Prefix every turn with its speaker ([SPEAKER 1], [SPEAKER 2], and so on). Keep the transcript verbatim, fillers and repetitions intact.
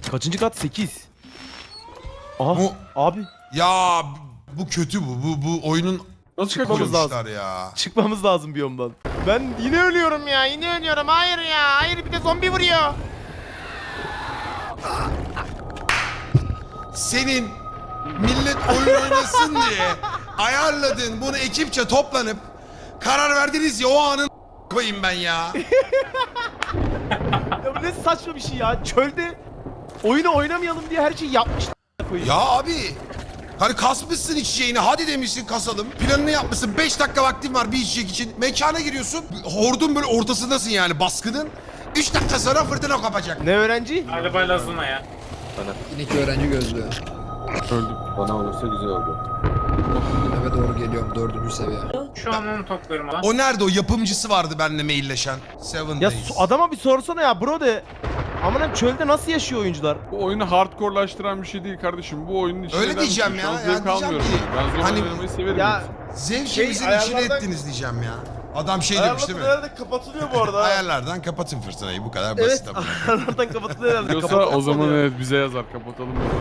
[SPEAKER 1] Kaçıncı kat? sekiz. Aha
[SPEAKER 2] Bu-
[SPEAKER 1] abi
[SPEAKER 2] Ya bu kötü bu. Bu bu oyunun
[SPEAKER 3] Nasıl
[SPEAKER 1] Çıkmamız
[SPEAKER 3] kaçıyorsun?
[SPEAKER 1] lazım.
[SPEAKER 2] koymuşlar ya.
[SPEAKER 1] çıkmamız lazım biyomdan. Ben yine ölüyorum ya yine ölüyorum hayır ya hayır bir de zombi vuruyor.
[SPEAKER 2] Senin millet oyun oynasın diye ayarladın bunu ekipçe toplanıp karar verdiniz ya o anın koyayım ben ya.
[SPEAKER 1] Ya bu ne saçma bir şey ya çölde oyunu oynamayalım diye her şeyi yapmışlar.
[SPEAKER 2] Ya abi hani kasmışsın içeceğini hadi demişsin kasalım. Planını yapmışsın beş dakika vaktin var bir içecek için. Mekana giriyorsun. Hordun böyle ortasındasın yani baskının. üç dakika sonra fırtına kopacak.
[SPEAKER 1] Ne öğrenci?
[SPEAKER 4] Galiba Lazuna ya.
[SPEAKER 5] İki öğrenci gözlüğü.
[SPEAKER 3] Öldüm.
[SPEAKER 6] Bana olursa güzel oldu.
[SPEAKER 5] Eve doğru geliyorum dördüncü seviye.
[SPEAKER 4] Şu an onu topluyorum ama.
[SPEAKER 2] O nerede o yapımcısı vardı benimle mailleşen. Seven
[SPEAKER 1] Ya
[SPEAKER 2] Days.
[SPEAKER 1] su- adama bir sorsana ya bro de. Aman çölde nasıl yaşıyor oyuncular?
[SPEAKER 3] Bu oyunu hardcore'laştıran bir şey değil kardeşim. Bu oyunun içine
[SPEAKER 2] Öyle
[SPEAKER 3] eder
[SPEAKER 2] diyeceğim
[SPEAKER 3] misin? Şu
[SPEAKER 2] ya,
[SPEAKER 3] an
[SPEAKER 2] ya
[SPEAKER 3] zevk
[SPEAKER 2] diyeceğim
[SPEAKER 3] almıyorum.
[SPEAKER 2] ki,
[SPEAKER 3] yani. Ben zor
[SPEAKER 2] hani-
[SPEAKER 3] oynamayı severim.
[SPEAKER 1] Ya
[SPEAKER 3] yoksa.
[SPEAKER 2] Zevkimizin
[SPEAKER 1] Şey,
[SPEAKER 2] içine
[SPEAKER 1] ayarlardan-
[SPEAKER 2] ettiniz diyeceğim ya. Adam şey demiş değil mi?
[SPEAKER 1] herhalde kapatılıyor bu arada.
[SPEAKER 2] Ayarlardan kapatın fırtınayı bu kadar basit
[SPEAKER 1] Evet
[SPEAKER 2] ama.
[SPEAKER 1] ayarlardan kapatılıyor herhalde.
[SPEAKER 3] Diyorsa
[SPEAKER 1] Kapatmak
[SPEAKER 3] o zaman
[SPEAKER 1] oluyor.
[SPEAKER 3] evet bize yazar kapatalım.